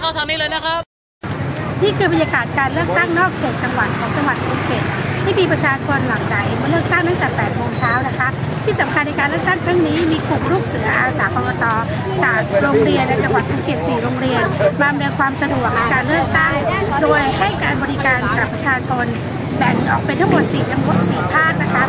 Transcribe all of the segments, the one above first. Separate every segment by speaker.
Speaker 1: เข้าทางนี้เลยนะครับ
Speaker 2: นี่คือบรรยากาศการเลือกตั้งนอกเขตจังหวัดของจังหวัดภูเก็ตที่มีประชาชนหลั่งไหลมาเลือกตั้งตั้งแต่ 8 โมงเช้านะคะที่สำคัญในการเลือกตั้งครั้งนี้มีกลุ่มลูกเสืออาสากกต.จากโรงเรียนในจังหวัดภูเก็ต 4 โรงเรียนมาอำนวยความสะดวกในการเลือกตั้งโดยให้การบริการกับประชาชนแบ่งออกเป็นทั้งหมด4 จังหวัด 4 ภาคนะคะ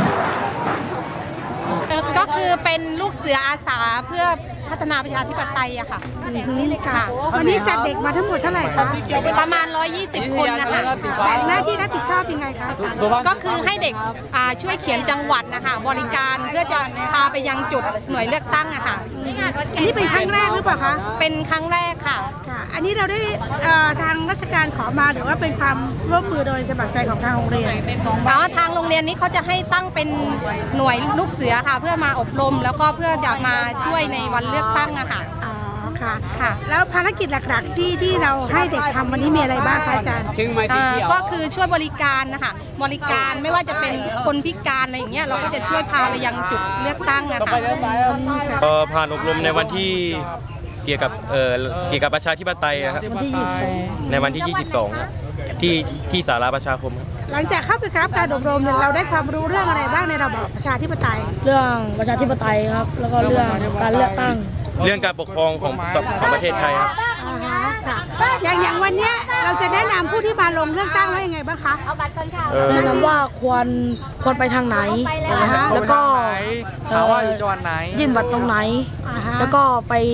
Speaker 3: ก็คือเป็นลูกเสืออาสาเพื่อพัฒนาประชาธิปไตยอะค่ะ
Speaker 2: นี่เลยค่ะวันนี้จัดเด็กมาทั้งหมดเท่าไหร่คะ
Speaker 3: ประมาณ120 คนนะคะ
Speaker 2: แบ่งหน้าที่รับผิดชอบยังไงคะ
Speaker 3: ก็คือให้เด็กช่วยเขียนจังหวัดนะคะบริการเพื่อจะพาไปยังจุดหน่วยเลือกตั้งอะค่ะ
Speaker 2: อันนี้เป็นครั้งแรกหรือเปล่าคะ
Speaker 3: เป็นครั้งแรกค่ะ
Speaker 2: อันนี้เราได้ทางราชการขอมาหรือว่าเป็นความร่วมมือโดยสมัครใจของทางโรงเรียน
Speaker 3: ทางโรงเรียนนี้เขาจะให้ตั้งเป็นหน่วยลูกเสือค่ะเพื่อมาอบรมแล้วก็เพื่อจะมาช่วยในวันเลือกตั้งอะค่ะ
Speaker 2: ค่ะแล้วภารกิจหลักๆที่เราให้เด็กทำวันนี้มีอะไรบ้างคะอาจารย์
Speaker 3: ก็คือช่วยบริการนะคะบริการไม่ว่าจะเป็นคนพิการอะไรอย่างเงี้ยเราก็จะช่วยพาไปยังจุดเลือกตั้งอะค่ะ
Speaker 1: ผ่านอบรมในวันที่เกี่ยวกับประชาธิปไตยครับในวันที่ 22 ที่ศาลาประชาคมครับ
Speaker 2: หลังจากเข้าไปรับการอบรมเนี่ยเราได้ความรู้เรื่องอะไรบ้างในระบอบประชาธิปไตย
Speaker 4: เรื่องประชาธิปไตยครับแล้วก็เรื่องการเลือกตั้ง
Speaker 1: เรื่องการปกครองของประเทศไทยครับ
Speaker 2: อย่างวันนี้เราจะแนะนำผู้ที่มาลงเลือกตั้งว่ายังไงบ้างคะ
Speaker 4: แนะนำว่าควรไปทางไหนแล้วก็
Speaker 5: อยู่จังหวัดไหน
Speaker 4: ยื่นบัตรตรงไหนแล้วก็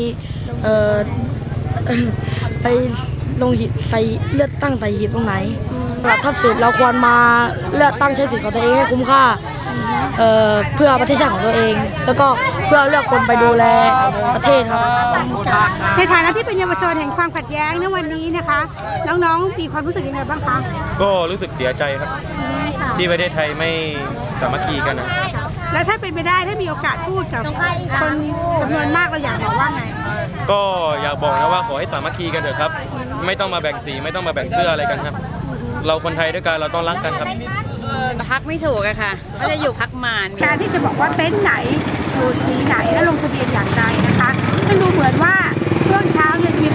Speaker 4: ไปลงหีบใส่เลือกตั้งใส่หีบตรงไหนถ้าเสร็จเราควรมาเลือกตั้งใช้สิทธิ์ของตัวเองให้คุ้มค่าเพื่อประเทศชาติของตัวเองแล้วก็เพื่อเลือกคนไปดูแลประเทศครับ
Speaker 2: ในฐานะที่เป็นเยาวชนแห่งความขัดแย้งในวันนี้นะคะน้องๆมีความรู้สึกยังไงบ้างคะ
Speaker 1: ก็รู้สึกเสียใจครับที่ประเทศไทยไม่สามัคคีกันนะ
Speaker 2: แล้วถ้าเป็นไปได้ถ้ามีโอกาสพูดกับคนจำนวนมากเราอยากบอกว่าไง
Speaker 1: ก็อยากบอกนะว่าขอให้สามัคคีกันเถอะครับไม่ต้องมาแบ่งสีไม่ต้องมาแบ่งเสื้ออะไรกันครับเราคนไทยด้วยกันเราต้องรักกันครับ
Speaker 6: พักไม่ถูกอะค่ะก็จะอยู่พักมาน
Speaker 2: การที่จะบอกว่าเต็นท์ไหนอยู่สีไหนและลงทะเบียนอย่างไรนะคะซึ่งดูเหมือนว่าช่วงเช้าเนี่ยจะมี